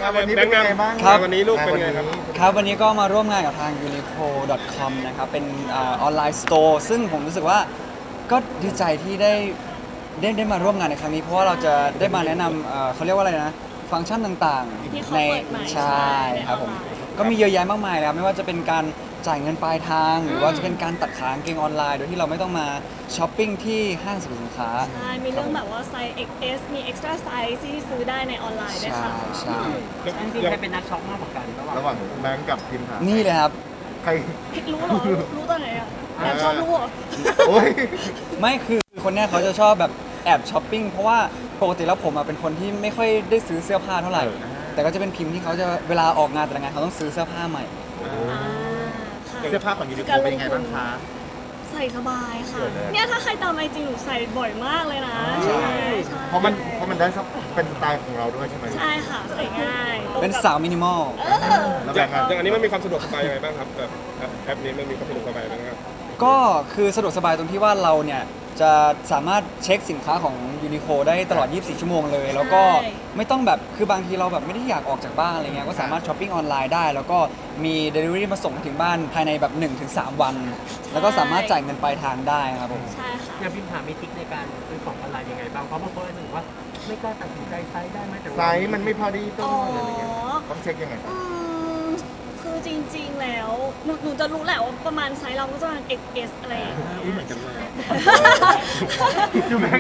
วันนี้เป็นไงบ้างครับวันนี้ลูกเป็นไงครับครับวันนี้ก็มาร่วมงานกับทาง uniqlo.com นะครับเป็นออนไลน์สโตร์ซึ่งผมรู้สึกว่าก็ดีใจที่ได้มาร่วมงานในครั้งนี้เพราะว่าเราจะได้มาแนะนำเขาเรียกว่าอะไรนะฟังก์ชันต่างๆในใช่ครับผมก็มีเยอะแยะมากมายแล้วไม่ว่าจะเป็นการจ่ายเงินปลายทาง หรือว่าจะเป็นการตัดขากางเกงออนไลน์โดยที่เราไม่ต้องมาช้อปปิ้งที่ห้างสรรพสินค้าใช่มีเรื่องแบบว่าไซส์ XS มี extra size ที่ซื้อได้ในออนไลน์ด้วยค่ะใช่จริงๆใครเป็นนักช็อปมากกว่ากันระหว่างแบงก์กับทีมหานี่เลยครับใครรู้เหรอ รู้ตอนไหนอ่ะแอบชอบรู้เหรอโอ้ยไม่คือคนเนี้ยเขาจะชอบแบบแอบช้อปปิ้งเพราะว่าปกติแล้วผมอะเป็นคนที่ไม่ค่อยได้ซื้อเสื้อผ้าเท่าไหร่ แต่ก็จะเป็นพิมพ์ที่เขาจะเวลาออกงานแต่ละงานเขาต้องซื้อเสื้อผ้าใหม่ค่ะเสื้อผ้าของยูนิโคเป็นยังไงบ้างคะใส่สบายค่ะสวยเลยเนี่ยถ้าใครตามไอจีหนูใส่บ่อยมากเลยนะใช่ใช่เพราะมันได้เป็นสไตล์ของเราด้วยใช่ไหมใช่ค่ะ ใส่ง่ายเป็นสาวมินิมอลแล้วอแบย่างงก์อะอย่างอันนี้มันมีความสะดวกสบายยังไงบ้างครับแบบแอปนี้มันมีความสะดวกสบายยังไงบ้างครับก็คือสะดวกสบายตรงที่ว่าเราเนี่ยจะสามารถเช็คสินค้าของยูนิโคได้ตลอด 24 ชั่วโมงเลย แล้วก็ไม่ต้องแบบคือบางทีเราแบบไม่ได้อยากออกจากบ้านอะไรเงี้ยก็สามารถช้อปปิ้งออนไลน์ได้ แล้วก็มี Delivery มาส่งถึงบ้านภายในแบบ 1-3 วัน แล้วก็สามารถจ่ายเงินปลายทางได้ครับผมใช่ค่ะอย่างพิมพ์ถามมีทริคในการซื้อของออนไลน์ยังไงบ้างเพราะบางคนรู้สึกว่าไม่กล้าตัดสินใจไซส์ได้ไหมแต่ไซส์มันไม่พอดีต้อ๋อองอะไรเงี้ยต้องเช็คยังไงอืมคือจริงๆ แล้วหนูจะรู้แหละว่าประมาณไซส์เราก็จะประมาณ XS อะไรอย่างเงี้ยเหมือนกันเลยยูแบงค์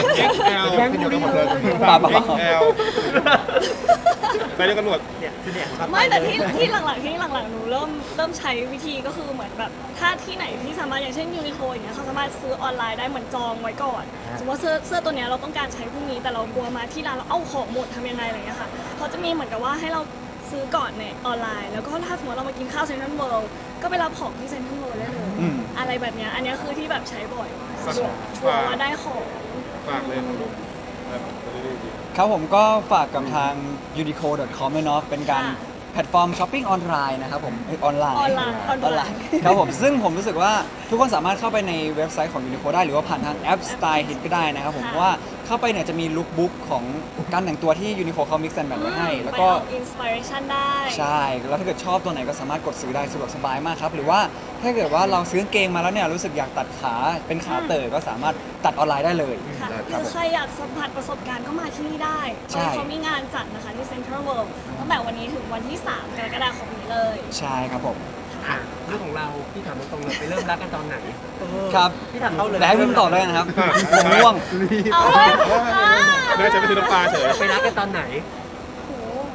XL แบงค์เดียวกันหมดเลยป่า XL ไปเดียวกันหมดเนี่ยคือเนี่ยไม่แต่ที่หลังๆหนูเริ่มใช้วิธีก็คือเหมือนแบบถ้าที่ไหนที่สามารถอย่างเช่นยูนิโคอย่างเงี้ยเขาสามารถซื้อออนไลน์ได้เหมือนจองไว้ก่อนสมมติว่าเสื้อตัวเนี้ยเราต้องการใช้พรุ่งนี้แต่เรากลัวมาที่ร้านเราเอาของหมดทำยังไงอะไรเงี้ยค่ะเขาจะมีเหมือนกับว่าให้เราซื้อก่อนในออนไลน์ แล้วก็ถ้าสมมติเรามากินข้าวเซ็นทรัลเวิลด์ก็ไปรับของที่เซ็นทรัลเวิลด์ได้เลยอืมอะไรแบบเนี้ยอันเนี้ยคือที่แบบใช้บ่อยสะดวกชัวร์ว่าได้ของฝากเลยครับผมแบบดีครับผมก็ฝากกับทาง uniqlo.com ด้วยเนาะเป็นการค่ะแพลตฟอร์มช้อปปิ้งออนไลน์นะครับผมออนไลน์ออนไลน์ครับผมซึ่งผมรู้สึกว่าทุกคนสามารถเข้าไปในเว็บไซต์ของ Uniqlo ได้หรือว่าผ่านทางแอป Style Hit ก็ได้นะครับผมเพราะว่าเข้าไปเนี่ยจะมีลุคบุ๊กของการแต่งตัวที่ Uniqlo เขา mix and match ไว้ให้ แล้วก็อินสปิเรชันได้ใช่ แล้วถ้าเกิดชอบตัวไหนก็สามารถกดซื้อได้สะดวกสบายมากครับ หรือว่าถ้าเกิดว่าเราซื้อกางเกงมาแล้วเนี่ยรู้สึกอยากตัดขาเป็นขาเต๋อก็สามารถตัดออนไลน์ได้เลยค่ะคหรับรือผมใครอยากสัมผัสประสบการณ์ก็มาที่นี่ได้ใช่เขามีงานจัดนะคะที่เซ็นทรัลเวิลด์ตั้งแต่วันนี้ถึงวันที่ 3 กรกฎาคมนี้เลยใช่ครับผมอ่ะเรื่องของเราพี่ถามตรงๆเลยไปเริ่มรักกันตอนไหนครับพี่ถามเขาเลยแต่ให้พิมพ์ตอบเลยนะครับผมง่วงเอาเลยๆน่าจะไปซื้อน้ำปลาเฉยไปรักกันตอนไหนโห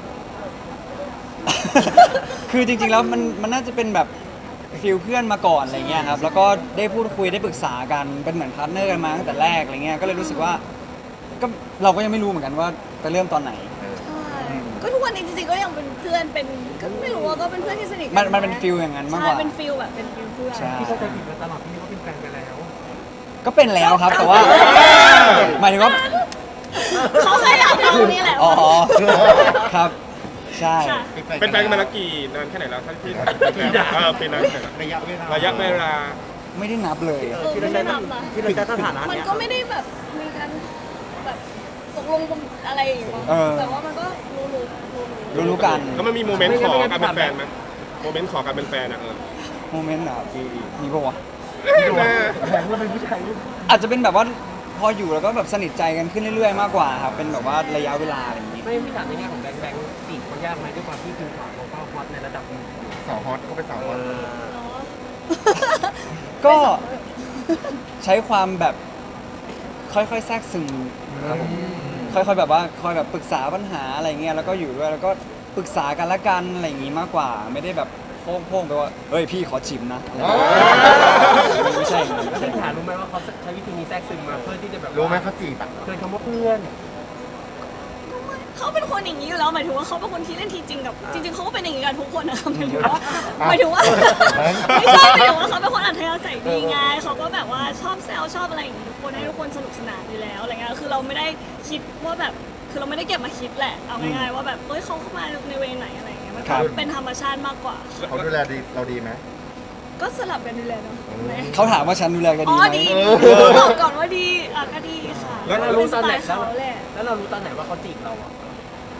คือจริงๆ แล้วมันน่าจะเป็นแบบฟิลเพื่อนมาก่อนอะไรเงี้ยครับ แล้วก็ได้พูดคุยได้ปรึกษากัน เป็นเหมือนพาร์ทเนอร์กันมาตั้งแต่แรกอะไรเงี้ย ก็เลยรู้สึกว่าก็เราก็ยังไม่รู้เหมือนกันว่าไปเริ่มตอนไหนใช่ก็ทุกวันนี้จริงๆก็ยังเป็นเพื่อนเป็นก็ไม่รู้ว่าก็เป็นเพื่อนที่สนิทกัมันเป็นฟิลอย่างนั้นมากกว่าใช่เป็นฟิลแบบเป็นฟิลเพื่อนใช่พี่เข้าใจผิดมาตลอดพี่นึกว่าเป็นแฟนกันแล้วก็เป็นแล้วครับ แต่ว่าหมายถึงว่าเขาแค่อยากรู้นี่แหละอ๋อว่าครับ ใช่ค่ะเป็นแฟนกันมาแล้วกี่นานแค่ไหนแล้วท่านพี่ปีนั้นแค่ไหนระยะเวลาระยะเวลาไม่ได้นับเลยที่เราใช้ที่เราใช้สถานะมันเนี่ยก็ไม่ได้แบบมีการแบบตกลงอะไรอย่างเงี้ยเออแต่ว่ามันก็รู้รู้กันแล้วมันมีโมเมนต์ขอการเป็นแฟนไหมโมเมนต์ขอการเป็นแฟนอ่ะโมเมนต์แบบมีปะวะแบงก์ว่าเป็นผู้ชายรูปอาจจะเป็นแบบว่าพออยู่แล้วก็แบบสนิทใจกันขึ้นเรื่อยๆ มากกว่าครับ เป็นแบบว่าระยะเวลาอะไรอย่างนี้ไม่พี่ถามในแง่ของแบงค์จีบเขายากไหมด้วยความที่พิมพ์ถามเขาก็ฮอตในระดับหนึงสาวฮอตก็เป็นสาวฮอตเนาะก็ใช้ความแบบค่อยๆแทรกซึมครับผมค่อยๆแบบว่าคอยแบบปรึกษาปัญหาอะไรเงี้ยแล้วก็อยู่ด้วยแล้วก็ปรึกษากันละกันอะไรอย่างงี้มากกว่า ไม่ได้แบบโพ่งๆไปว่าเฮ้ยพี่ขอชิมนะอะไรอย่างเงี้ยไม่ใช่อย่างนั้นไม่ใช่พี่อย่างถานั้มนรู้ไหมว่าเขาใช้วิธีนี้แทรกซึมมาเพื่อที่จะแบบรู้ไหมเขาจีบอ่ะเกินคำว่าเพื่อนเขาเป็นคนอย่างนี้อยู่แล้วหมายถึงว่าเขาเป็นคนที่เล่นทีจริงกับจริงๆเขาก็เป็นอย่างนี้กันทุกคนนะคะหมายถึงว่าไม่ใช่หมายถึงว่าเขาเป็นคนอัธยาศัยดีไงเขาก็แบบว่าชอบแซวชอบอะไรอย่างนี้ทุกคนให้ทุกคนสนุกสนานอยู่แล้วอะไรเงี้ยคือเราไม่ได้คิดว่าแบบคือเราไม่ได้เก็บมาคิดแหละเอาง่ายๆว่าแบบเฮ้ยเขาเข้ามาในเวไหนอะไรเงี้ยมันเป็นธรรมชาติมากกว่าเขาดูแลดีเราดีไหมก็สลับกันดูแลเนาะเขาถามว่าฉันดูแลกันอ๋ดีอไหมดีบอกก่อนว่าดีอ่ะก็ดีค่ะแล้วเรารู้ตอนไหนเป็สตล์เขาแหละแล้วเรารู้ตอนไหนว่าเขาจีบเราอ่ะก็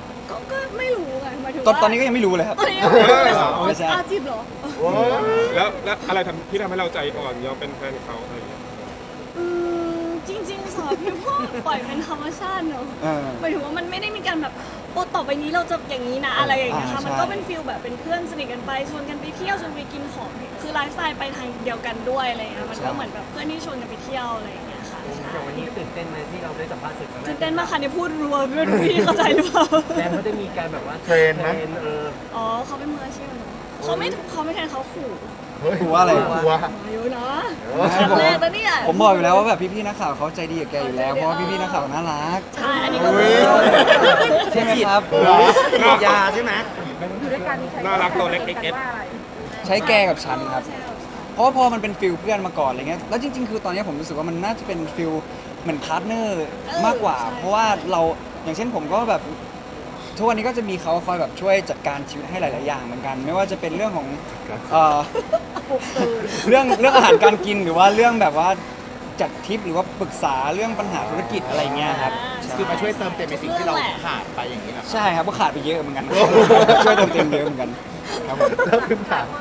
ก็ไม่รู้ไงหมายถึงตอนนี้ก็ยังไม่รู้เลยครับตอนนี้ยังไม่รู้เลยเหรอไม่ใช่อาจีบเหรอโอ้ยแล้วอะไรที่ทำให้เราใจอ่อนยอมเป็นแฟนเขาอะไรอย่างเงี้ยจริงๆสำหรับพี่พ่อปล่อยเป็นธรรมชาติเนอะเออหมายถึงว่ามันไม่ได้มีการแบบโอ้ต่อไปนี้เราจะอย่างนี้นะอะไรอย่างเงี้ยค่ะใช่มันก็เป็นฟีลแบบเป็นเพื่อนสนิทกันไปชวนกันไปเที่ยวชวนไปกินของคือไลฟ์สไตล์ไปทางเดียวกันด้วยอะไรเงี้ยมันก็เหมือนแบบเพื่อนที่ชวนกันไปเที่ยวอะไรอย่างเงี้ยค่ะใช่อย่างวันนี้ตื่นเต้นไหมที่เราได้สัมภาษณ์สื่อครั้งแรกตื่นเต้นมากค่ะเนี่ยพูดรัวไม่รู้พี่เข้าใจหรือเปล่าแต่เขาได้มีการแบบว่าอ๋อเขาเป็นมืออาชีพเนอะเขาไม่แทนเขาขู่เฮ้ยกลัวอะไรกลัวเยอะนะใช่ครั้งแรกแล้วเนี่ยผมบอกอยู่แล้วว่าแบบพี่ๆนักข่าวเขาใจดีกับแกอยู่แล้วเพราะว่าพี่ๆนักข่าวน่ารักใช่อันนี้ก็อุ๊ยใช่ไหมครับยาใช่ไหมน่ารักตัวเล็กเอ็กใช้แกกับฉันครับ เพราะว่าพอมันเป็นฟิลเพื่อนมาก่อนอะไรเงี้ย แล้วจริงๆ คือตอนนี้ผมรู้สึกว่ามันน่าจะเป็นฟิลเหมือนพาร์ทเนอร์มากกว่า เพราะว่าเราอย่างเช่นผมก็แบบทุกวันนี้ก็จะมีเขาคอยแบบช่วยจัดการชีวิตให้หลาย ๆ อย่างเหมือนกัน ไม่ว่าจะเป็นเรื่องของเอ่อเรื่องอาหารการกินหรือว่าเรื่องแบบว่าจัดทริปหรือว่าปรึกษาเรื่องปัญหาธุรกิจอะไรเงี้ยครับใช่คือมาช่วยเติมเต็มในสิ่งที่เราขาดไปอย่างนี้นะใช่ครับก็ขาดไปเยอะเหมือนกัน ช่วยเติมเต็มเยอะเหมือนกันครับผมเริ่มขึ้นถาม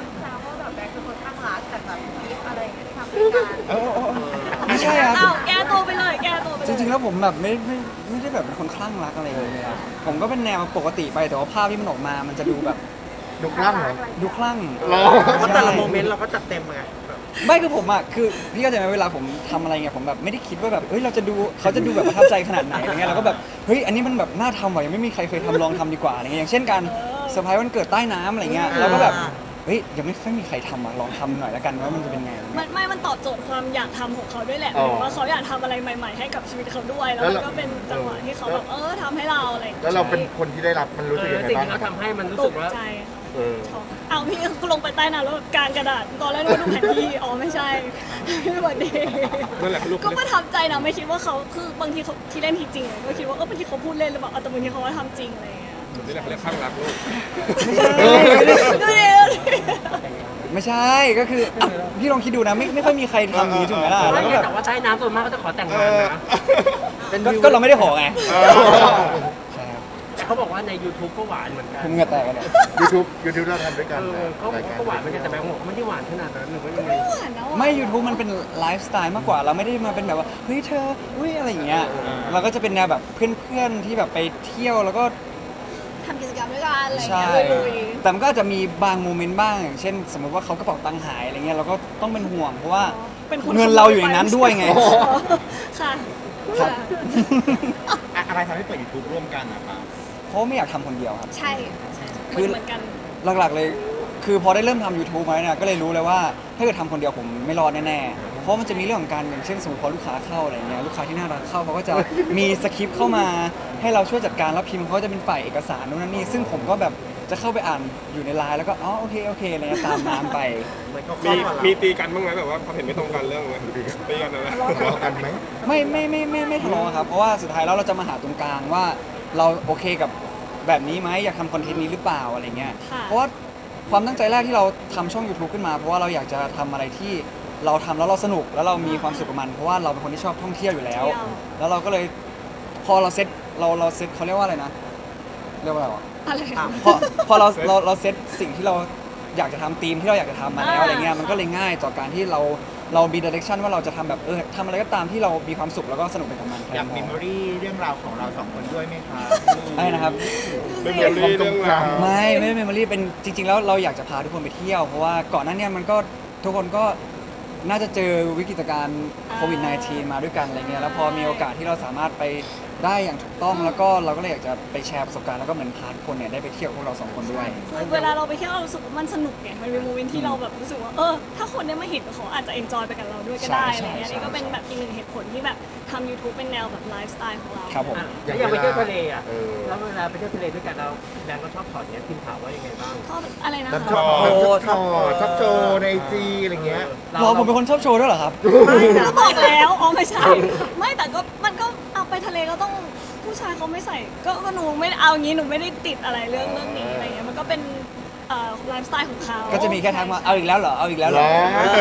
ไม่ใช่ครับอ้าวแก้ตัวไปเลยแก้ตัวไปเลยจริงๆ แล้วผมแบบไม่ได้แบบเป็นคนคลั่งรักอะไรเลยครับผมก็เป็นแนวปกติไปแต่ว่าภาพที่มันออกมามันจะดูแบบดูกล้างเหรอดูคลั่งหรอเพราะแต่ละโมเมนต์เราก็จัดเต็มไงไม่คือผมอ่ะคือพี่เข้าใจไหมเวลาผมทำอะไรเงี้ยผมแบบไม่ได้คิดว่าแบบเฮ้ยเราจะดูเขาจะดูแบบประทับใจขนาดไหนอะไรเงี้ยเราก็แบบเฮ้ยอันนี้มันแบบน่าทำว่ะยังไม่มีใครเคยทำลองทำดีกว่าอะไรเงี้ยอย่างเช่นการเซอร์ไพรส์วันเกิดใต้น้ำอะไรเงี้ยเราก็แบบเฮ้ยยังไม่ค่อยมีใครทำอ่ะลองทำหน่อยแล้วกันว่ามันจะเป็นไงมันตอบโจทย์ความอยากทำของเขาด้วยแหละหมายถึงว่าเขาอยากทำอะไรใหม่ๆให้กับชีวิตเขาด้วย แล้วมันก็เป็นจังหวะที่เขาแบบทำให้เราอะไรอย่างเงี้ยแล้วเราเป็นคนที่ได้รับมันรู้สึกยังไงสิ่งบ้างที่เขาทำให้มันรู้ตสึกกว่าใจเออช็อกเอาพี่ก็ลงไปใต้น้ำแล้วกางกระดาษตอนแรกนึกว่าดูแผนที่อ๋อไม่ใช่ไม่หวัดดีนั่นแหละคือลูกก็ประทับใจนะไม่คิดว่าเขาคือบางทีเขาที่เล่นทีจริงอะก็คิดว่าบางทีเขาพูดเล่นหรือเปล่าแต่บางทีเขาก็ทำจริงอะไรอย่างเงี้ยนี่แหละเขาเรียกข้างรักลูกดูดิไม่ใช่ก็คืออ่ะพี่ลองคิดดูนะไม่ค่อยมีใครทำอย่างนี้ถูกไหมล่ะแล้วก็แบบแต่ว่าใต้น้ำส่วนมากก็จะขอแต่งงานนะก็เราไม่ได้ขอไงใช่ครับเขาบอกว่าใน YouTube ก็หวานเหมือนกันผมเหงื่อแตกกันเนี่ย YouTube เราทำด้วยกันนะเขาบอกว่าก็หวานเหมือนกันแต่แบงค์บอกว่าไม่ได้หวานขนาดนั้นหรือว่ายังไงไม่หวานนะไม่ YouTube มันเป็นไลฟ์สไตล์มากกว่าเราไม่ได้มาเป็นแบบว่าเฮ้ยเธออุ้ยอะไรอย่างเงี้ยเราก็จะเป็นแนวแบบเพื่อนๆที่แบบไปเที่ยวแล้วก็ทำกิจกรรมด้วยกันอะไรอย่างใช่เงี้ยลุยแต่มันก็อาจจะมีบางโมเมนต์บ้างอย่างเช่น สมมติว่าเขากระเป๋าตังค์หายอะไรเงี้ยเราก็ต้องเป็นห่วงเพราะว่าเป็นเงินเราอยู่ในนั้นด้วยไงค่ะครับอะไรทำให้เปิด YouTube ร่วมกันนะครับเพราะไม่อยากทำคนเดียวครับใช่คือเหมือนกันหลักๆเลยคือพอได้เริ่มทำ YouTube มาเนี่ยก็เลยรู้เลยว่าถ้าเกิดทำคนเดียวผมไม่รอดแน่ๆเพราะมันจะมีเรื่องของการอย่างเช่นสมมติพอลูกค้าเข้าอะไรเงี้ยลูกค้าที่น่ารักเข้าเขาก็จะมีสคริปต์เข้ามาให้เราช่วยจัดการแล้วพิมพ์เขาจะเป็นฝ่ายเอกสารนู่นนั่นนี่ซึ่งผมก็แบบจะเข้าไปอ่านอยู่ในไลน์แล้วก็อ๋อโอเคอะไรเงี้ยตามน้ำไปเหมือนเขามีเข้ามามีตีกันบ้างไหมแบบว่าความเห็นไม่ตรงกันเรื่องอะไรตีกันอะไรทะเลาะกันไหมไม่ทะเลาะครับเพราะว่าสุดท้ายแล้วเราจะมาหาตรงกลางว่าเราโอเคกับแบบนี้ไหมอยากทำคอนเทนต์นี้หรือเปล่าอะไรเงี้ยค่ะเพราะว่าความตั้งใจแรกที่เราทำช่อง YouTube ขึ้นมาเพราะว่าเราอยากจะทำอะไรที่เราทำแล้วเราสนุกแล้วเรามีความสุขกับมันเพราะว่าเราเป็นคนที่ชอบท่องเที่ยวอยู่แล้ว แล้วเราก็เลยพอเราเซ็ตเขาเรียกว่าอะไรนะเรียกว่าอะไรวะอะไรพอเราเซ็ตสิ่งที่เราอยากจะทำธีมที่เราอยากจะทำมาแล้วอะไรเงี้ยมันก็เลยง่ายต่อการที่เรามีดิเรกชันว่าเราจะทำแบบทำอะไรก็ตามที่เรามีความสุขแล้วก็สนุกไปกับมันอยากมีเมมโมรี่เรื่องราวของเราสองคนด้วยไหมคะใช่นะครับเรื่องเรื่องเรื่องราวไม่เมมโมรี่เป็นจริง ๆ แล้วเราอยากจะพาทุกคนไปเที่ยว เพราะว่าก่อนหน้าเนี้มันก็ทุกคนก็น่าจะเจอวิกฤตการณ์โควิด -19 มาด้วยกันอะไรเงี้ยแล้วพอมีโอกาสที่เราสามารถไปได้อย่างถูกต้องแล้วก็เราก็เลยอยากจะไปแชร์ประสบการณ์แล้วก็เหมือนพาทุกคนเนี่ยได้ไปเที่ยวพวกเราสองคนด้วยคือเวลาเราไปเที่ยวเรารู้สึกว่ามันสนุกไงมันเป็นโมเมนต์ที่เราแบบรู้สึกว่าถ้าคนได้มาเห็นเขาอาจจะเอนจอยไปกับเราด้วยก็ได้อะไรเงี้ยนี่ก็เป็นแบบอีกหนึ่งเหตุผลที่แบบทำ YouTube เป็นแนวแบบไลฟ์สไตล์ของเราครับผมแล้วอยากไปเที่ยวทะเลอ่ะเออแล้วเวลาไปเที่ยวทะเลด้วยกันเราแบงค์ก็ชอบถอดเนี้ยพิมพ์ถามว่ายังไงบ้างชอบอะไรนะแล้วคะชอบโชว์ในไอจีอะไรเงี้ยรอผมเป็นคนชอบโชว์ด้วยเหรอครับก็บอกแล้วอ๋อไม่ใช่ ไม่แต่ก็มันก็เอาไปทะเลก็ต้องผู้ชายเขาไม่ใส่ก็หนูไม่เอางี้หนูไม่ได้ติดอะไรเรื่องนี้อะไรเงี้ยมันก็เป็นไลฟ์สไตล์ของเขาก็จะมีแค่ทักมาเอาอีกแล้วเหรอเอาอีกแล้วเหรอ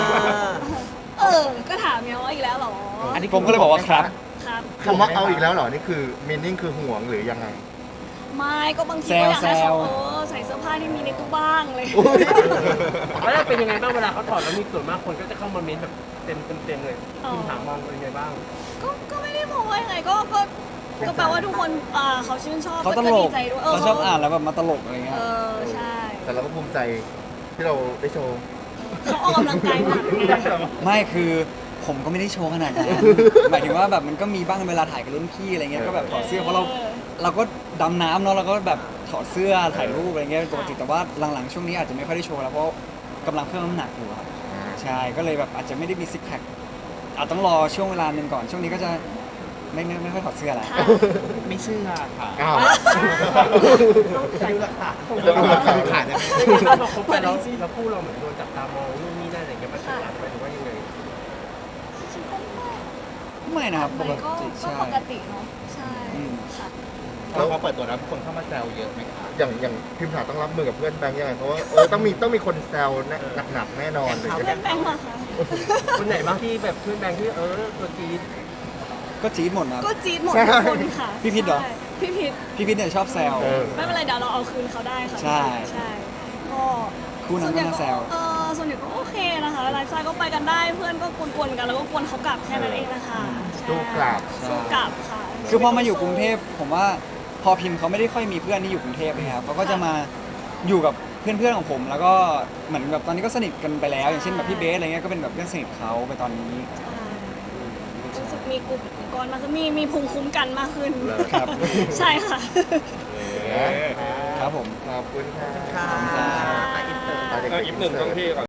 ก็ถามไงว่าอีกแล้วเหรอผมก็เลยบอกว่าครับครับคำว่าเอาอีกแล้วเหรอ นี่คือมีนิ่งคือห่วงหรือยังไงไม่ก็บางทีก็อยากให้แซเขาวใส่เสื้อผ้าที่มีในตู้บ้างเลยแล้วเป็นยังไงบ้างเวลาเขาถอดแล้วมีส่วนมากคนก็จะเข้ามาเม้นแบบเต็มเลยอ๋อคุณถามมองเป็นยังไงบ้างก็ไม่ได้มองว่ายังไงก็แปลว่าทุกคนเขาชื่นชอบเขาตลดีกใจด้วยเขาชอบอ่านแล้วแบบมาตลกอะไรเงี้ยใช่แต่เราก็ภูมิใจที่เราได้โชว์เขาออกกำลังกายหนักไงไม่คือผมก็ไม่ได้โชว์ขนาดนั้น หมายถึงว่าแบบมันก็มีบ้างเวลาถ่ายกับรุ่นพี่อะไรเงี้ยก็แบบถอดเสื้อเพราะเราก็ดำน้ำเนาะเราก็แบบถอดเสื้อถ่ายรูปอะไรเงี้ยเป็นปกติแต่ว่าหลังๆช่วงนี้อาจจะไม่ค่อยได้โชว์แล้วเพราะกำลังเพิ่มน้ำหนักอยู่ครับใช่ก็เลยแบบอาจจะไม่ได้มีซิกแพคอาจต้องรอช่วงเวลาหนึ่งก่อนช่วงนี้ก็จะไม่ค่อยถอดเสื้อแล้วค่ะไม่เชื่อค่ะอ้าวดูราคาจะเอาราคาขายได้ไหมพอคบกันแล้วคู่เราเหมือนโดนจับตามองนู่นนี่นั่นอะไรเงี้ยมันเป็นอะไรหรือว่ายังไงไม่นะครับปกก็ติใช่ปกติเนาะใช่อืมค่ะแล้วพอเปิดตัวแล้วคนเข้ามาแซวเยอะไหมคะอย่างพิมพ์ถาต้องรับมือกับเพื่อนแบงค์ยังไงเพราะว่าต้องมีคนแซวหนักๆแน่นอนเลยเพื่อนแบงค์เหรอคะคนไหนบ้างที่แบบเพื่อนแบงค์ที่ตัวจี๊ดก็จี๊ดหมดนะครับก็จี๊ดหมดทุกคนค่ะพี่พิษเหรอใช่พี่พิษพี่พิษเนี่ยชอบแซวไม่เป็นไรเดี๋ยวเราเอาคืนเขาได้ค่ะใช่ใช่ก็คู่นั้นก็น่าแซวส่วนใหญ่ก็โอเคนะคะไลฟ์สไตล์ก็ไปกันได้เพื่อนก็กวนๆกันแล้วก็กวนเขากลับแค่นั้นเองนะคะใช่สู้กลับสู้กลับค่ะคือพอมาอยู่กรุงเทพผมว่าพอพิมพ์เขาไม่ได้ค่อยมีเพื่อนที่อยู่กรุงเทพนะครับเขาก็จะมาอยู่กับเพื่อนๆของผม แล้วก็เหมือนแบบตอนนี้ก็สนิทกันไปแล้ว อย่างเช่นแบบพี่เบสอะไรเงี้ยก็เป็นแบบเพื่อนสนิทเขาไปตอนนี้รู้สึกมีกลุ่มก้อนมากขึ้นมีภูมิคุ้มกันมากขึ้นครับใช่ค่ะครับผมขอบคุณค่ะค่ะค่ะอินเตอร์อ่ะเดี๋ยวอีกหนึ่งต้องพี่ก่อน